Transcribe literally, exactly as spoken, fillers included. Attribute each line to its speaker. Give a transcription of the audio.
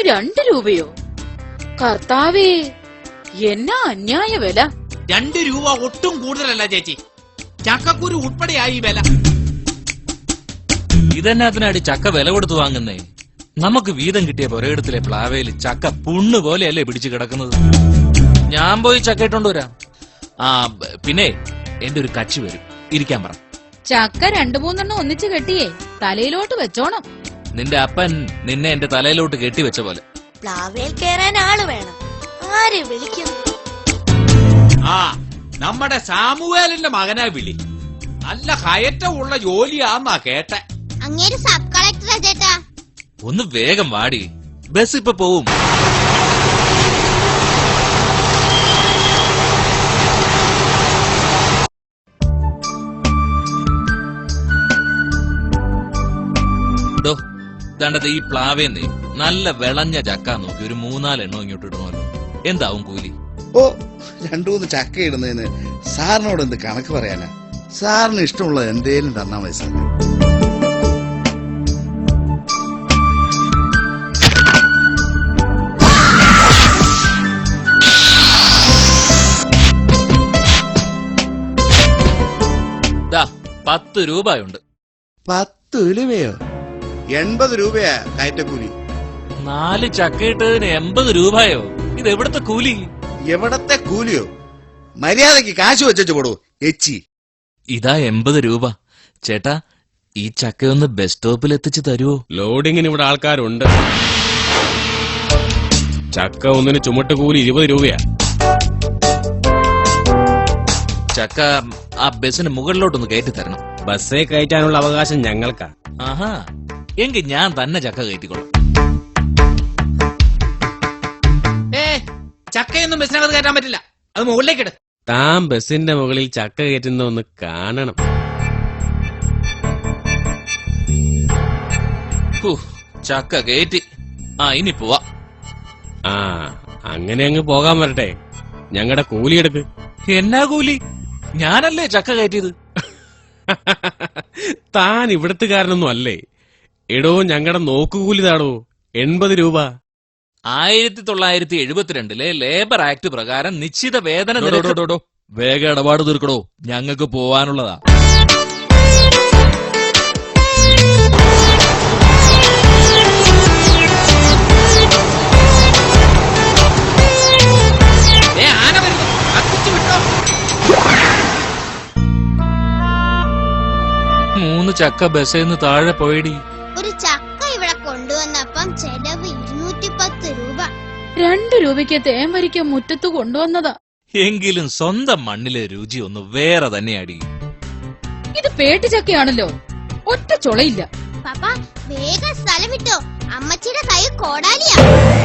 Speaker 1: രണ്ട് രൂപയോ? കർത്താവേ, എന്നാ അന്യായ വില!
Speaker 2: രണ്ട് രൂപ ഒട്ടും കൂടുതലല്ല ചേച്ചി. ചക്കക്കുരു ഉൾപ്പെടെയായി വില.
Speaker 3: ഇതെന്നാത്തിനാടി ചക്ക വില കൊടുത്തു വാങ്ങുന്നേ? നമുക്ക് വീതം കിട്ടിയ പുരയിടത്തിലെ പ്ലാവയില് ചക്ക പുണ്ണു പോലെയല്ലേ പിടിച്ചു കിടക്കുന്നത്. ഞാൻ പോയി ചക്ക ഇട്ടോണ്ട് വരാം. ആ പിന്നെ എന്റെ ഒരു കച്ചി വരും, ഇരിക്കാൻ പറ.
Speaker 1: ചക്ക രണ്ടു മൂന്നെണ്ണം ഒന്നിച്ച് കെട്ടിയേ തലയിലോട്ട് വെച്ചോണം.
Speaker 3: നിന്റെ അപ്പൻ നിന്നെ എന്റെ തലയിലോട്ട് കെട്ടിവെച്ച പോലെ.
Speaker 4: പ്ലാവേൽ കേറാൻ ആള് വേണം. ആരെ വിളിക്കും?
Speaker 2: ആ നമ്മുടെ സാമുവേലിന്റെ മകനാ വിളി. നല്ല കയറ്റമുള്ള ജോലിയാന്നാ കേട്ടെ.
Speaker 4: അങ്ങേര് സബ് കളക്ടറാ ചേട്ടാ.
Speaker 3: ഒന്ന് വേഗം വാടി, ബസ് ഇപ്പൊ പോവും. ദണ്ടത് ഈ പ്ലാവേന്നേ നല്ല വിളഞ്ഞ ചക്ക നോക്കി ഒരു മൂന്നാലെണ്ണോ ഇങ്ങോട്ട് ഇടണമല്ലോ. എന്താവും കൂലി?
Speaker 5: ഓ, രണ്ടു മൂന്ന് ചക്ക ഇടുന്നതിന് സാറിനോട് എന്ത് കണക്ക് പറയാനാ? സാറിന് ഇഷ്ടമുള്ളത് എന്തേലും തന്നാ മതി സാർ.
Speaker 3: പത്ത് രൂപയുണ്ട്.
Speaker 5: പത്ത് രൂപയോ? എൺപത് രൂപയാ കയറ്റക്കൂലി.
Speaker 3: നാല് ചക്ക ഇട്ടതിന് എൺപത് രൂപയോ? ഇത് എവിടത്തെ കൂലി?
Speaker 5: എവിടത്തെ കൂലിയോ? മര്യാദക്ക് കാശ് വെച്ചു കൊടു എച്ചി.
Speaker 3: ഇതാ എൺപത് രൂപ. ചേട്ടാ, ഈ ചക്കയൊന്ന് ബസ് സ്റ്റോപ്പിൽ എത്തിച്ചു തരുവോ?
Speaker 6: ലോഡിങ്ങിന് ഇവിടെ ആൾക്കാരുണ്ട്. ചക്ക ഒന്നിന് ചുമട്ട് കൂലി ഇരുപത് രൂപയാ.
Speaker 3: ചക്ക ആ ബസ്സിന് മുകളിലോട്ടൊന്ന് കയറ്റി തരണം.
Speaker 6: ബസ്സേ കയറ്റാനുള്ള അവകാശം ഞങ്ങൾക്കാ.
Speaker 3: ആഹാ, എങ്കിൽ ഞാൻ തന്നെ ചക്ക കയറ്റിക്കോളാം.
Speaker 2: ഏ ചക്കയൊന്നും ബസ്സിനകത്ത് കയറ്റാൻ പറ്റില്ല. അത് മുകളിലേക്കിട്.
Speaker 6: താൻ ബസ്സിന്റെ മുകളിൽ ചക്ക കയറ്റുന്ന ഒന്ന് കാണണം.
Speaker 3: ചക്ക കയറ്റി. ആ ഇനി പോവാ.
Speaker 6: ആ അങ്ങനെ അങ്ങ് പോകാൻ വരട്ടെ. ഞങ്ങളുടെ കൂലി എടുക്ക്.
Speaker 3: എന്നാ കൂലി? ഞാനല്ലേ ചക്ക കയറ്റിയത്.
Speaker 6: താൻ ഇവിടത്തുകാരനൊന്നും അല്ലേ. എടോ, ഞങ്ങളുടെ നോക്കുകൂലി താടോ എൺപത് രൂപ.
Speaker 3: ആയിരത്തി തൊള്ളായിരത്തി എഴുപത്തിരണ്ടിലെ ലേബർ ആക്ട് പ്രകാരം നിശ്ചിത വേതന വേഗ ഇടപാട് തീർക്കടോ, ഞങ്ങൾക്ക് പോവാനുള്ളതാ. മൂന്ന് ചക്ക ബസ്സിന്ന് താഴെ പോയടി.
Speaker 4: ഒരു ചക്ക ഇവിടെ കൊണ്ടുവന്നപ്പം ചെലവ് ഇരുന്നൂറ്റി പത്ത് രൂപ.
Speaker 1: രണ്ടു രൂപയ്ക്ക് തേൻ വരിക്ക മുറ്റത്ത് കൊണ്ടുവന്നതാ.
Speaker 3: എങ്കിലും സ്വന്തം മണ്ണിലെ രുചി ഒന്ന് വേറെ തന്നെയാടി.
Speaker 1: ഇത് പേട്ടി ചക്കയാണല്ലോ, ഒറ്റ ചൊളയില്ല.
Speaker 4: പാപ്പ വേഗം സ്ഥലം വിട്ടോ, അമ്മച്ചിയുടെ കൈ കോടാലിയാ.